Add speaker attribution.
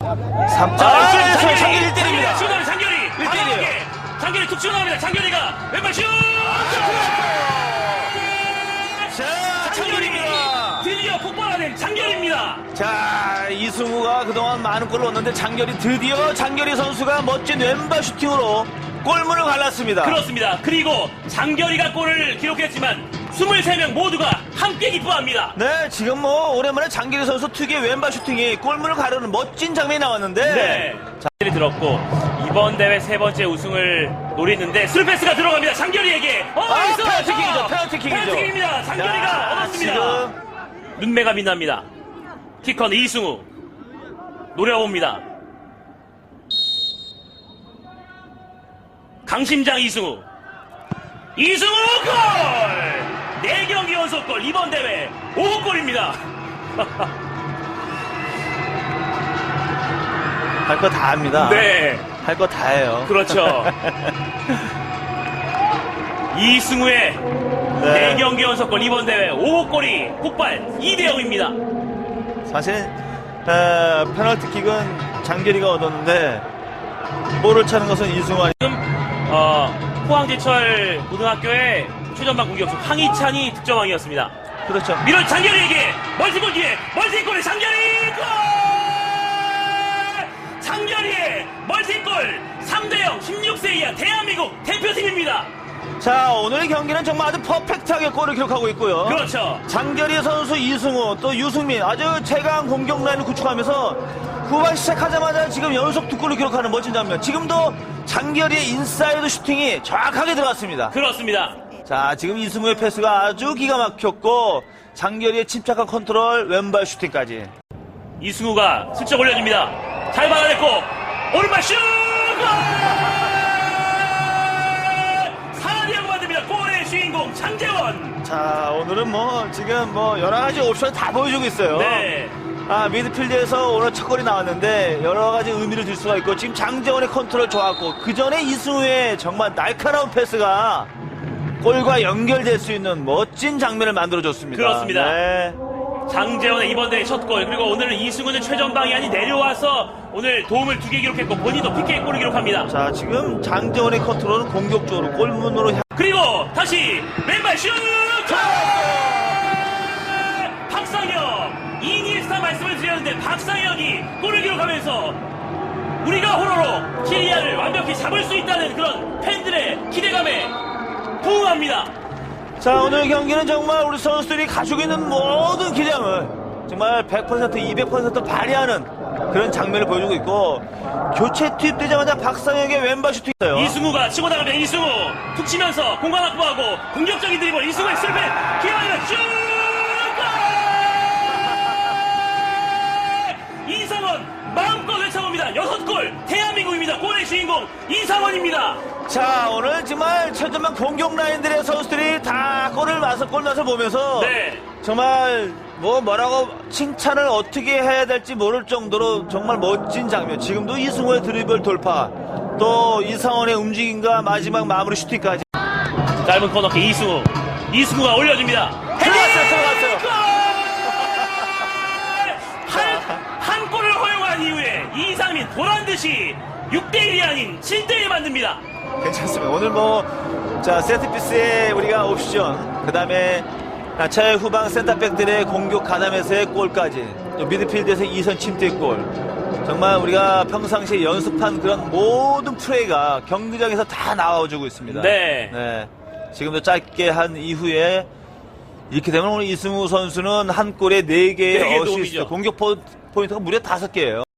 Speaker 1: 장결이 1대1입니다.
Speaker 2: 시원하게 장결이.
Speaker 1: 1대1이에요.
Speaker 2: 장결이 툭 치어나갑니다. 장결이가 왼발 슛!
Speaker 1: 자, 장결입니다.
Speaker 2: 드디어 폭발하는 장결입니다.
Speaker 1: 자, 이승우가 그동안 많은 골을 넣었는데 드디어 장결이 선수가 멋진 왼발 슈팅으로 골문을 갈랐습니다.
Speaker 2: 그렇습니다. 그리고 장결이가 골을 기록했지만 23명 모두가 함께 기뻐합니다.
Speaker 1: 네, 지금 오랜만에 장결이 선수 특유의 왼발 슈팅이 골문을 가르는 멋진 장면이 나왔는데.
Speaker 2: 네. 장결이 들었고 이번 대회 세 번째 우승을 노리는데 스루패스가 들어갑니다. 장결이에게.
Speaker 1: 페널티킥이죠. 페널티킥이죠.
Speaker 2: 페널티킥입니다. 장결이가
Speaker 1: 야,
Speaker 2: 얻었습니다.
Speaker 1: 지금
Speaker 2: 눈매가 빛납니다. 키커는 이승우. 노려봅니다. 강심장 이승우. 이승우 골! 4경기 연속골 이번 대회 5골입니다.
Speaker 1: 할 거 다 합니다.
Speaker 2: 네.
Speaker 1: 할 거 다 해요.
Speaker 2: 그렇죠. 이승우의
Speaker 1: 네.
Speaker 2: 4경기 연속골 이번 대회 5골이 폭발 2대0입니다.
Speaker 1: 사실 페널티킥은 장결이가 얻었는데 볼을 차는 것은 이승우 아니.
Speaker 2: 지금 포항제철 고등학교의 최전방 공격수 황희찬이 득점왕이었습니다.
Speaker 1: 그렇죠.
Speaker 2: 밀어 장결이에게 멀티골 기회 멀티골의 장결이 골! 장결이의 멀티골 3대0 16세 이하 대한민국 대표팀입니다.
Speaker 1: 자, 오늘의 경기는 정말 아주 퍼펙트하게 골을 기록하고 있고요.
Speaker 2: 그렇죠.
Speaker 1: 장결이 선수, 이승우, 또 유승민 아주 최강 공격 라인을 구축하면서 후반 시작하자마자 지금 연속 2골을 기록하는 멋진 장면. 지금도 장결이의 인사이드 슈팅이 정확하게 들어갔습니다.
Speaker 2: 그렇습니다.
Speaker 1: 자, 지금 이승우의 패스가 아주 기가 막혔고 장결이의 침착한 컨트롤, 왼발 슈팅까지.
Speaker 2: 이승우가 슬쩍 올려줍니다. 잘 받아냈고 오른발 슛! 골! 4대0 만듭니다. 골의 주인공 장재원.
Speaker 1: 자, 오늘은 지금 여러 가지 옵션을 다 보여주고 있어요.
Speaker 2: 네.
Speaker 1: 미드필드에서 오늘 첫 골이 나왔는데 여러 가지 의미를 줄 수가 있고 지금 장재원의 컨트롤 좋았고 그 전에 이승우의 정말 날카로운 패스가 골과 연결될 수 있는 멋진 장면을 만들어줬습니다.
Speaker 2: 그렇습니다.
Speaker 1: 네.
Speaker 2: 장재원의 이번 대회 첫 골, 그리고 오늘은 이승우는 최전방이 아닌 내려와서 오늘 도움을 2개 기록했고 본인도 PK 골을 기록합니다.
Speaker 1: 자, 지금 장재원의 컨트롤은 공격적으로 골문으로
Speaker 2: 그리고 다시 왼발 슛! 박상혁! 이니에스타 말씀을 드렸는데 박상혁이 골을 기록하면서 우리가 호로로 키리아를 완벽히 잡을 수 있다는 그런 팬들의 기대감에 부응합니다.
Speaker 1: 자, 오늘 경기는 정말 우리 선수들이 가지고 있는 모든 기량을 정말 100%, 200% 발휘하는 그런 장면을 보여주고 있고 교체 투입되자마자 박상혁의 왼발 슈팅이에요.
Speaker 2: 이승우가 치고 나갑니다. 이승우 툭 치면서 공간 확보하고 공격적인 드리블 이승우의 슬펜 기회가 슛! 골! 이상원 마음껏 외쳐봅니다. 6골 대한민국입니다. 골의 주인공 이상원입니다.
Speaker 1: 자, 오늘 정말 최전방 공격 라인들의 선수들이 다 골 맛을 보면서
Speaker 2: 네.
Speaker 1: 정말 뭐라고 칭찬을 어떻게 해야 될지 모를 정도로 정말 멋진 장면. 지금도 이승우의 드리블 돌파, 또 이상원의 움직임과 마지막 마무리 슈팅까지.
Speaker 2: 짧은 코너킥 이승우가 올려줍니다.
Speaker 1: 들어갔어요.
Speaker 2: 한 골을 허용한 이후에 이상민 보란듯이 6대1이 아닌 7대1 만듭니다.
Speaker 1: 괜찮습니다. 오늘 세트피스에 우리가 옵션, 그 다음에 최후방 센터백들의 공격 가담에서의 골까지, 또 미드필드에서 2선 침투골, 정말 우리가 평상시에 연습한 그런 모든 플레이가 경기장에서 다 나와주고 있습니다.
Speaker 2: 네.
Speaker 1: 지금도 짧게 한 이후에 이렇게 되면 오늘 이승우 선수는 한 골에 4개의
Speaker 2: 네 개
Speaker 1: 어시스트,
Speaker 2: 도움이죠.
Speaker 1: 공격 포인트가 무려 5개예요.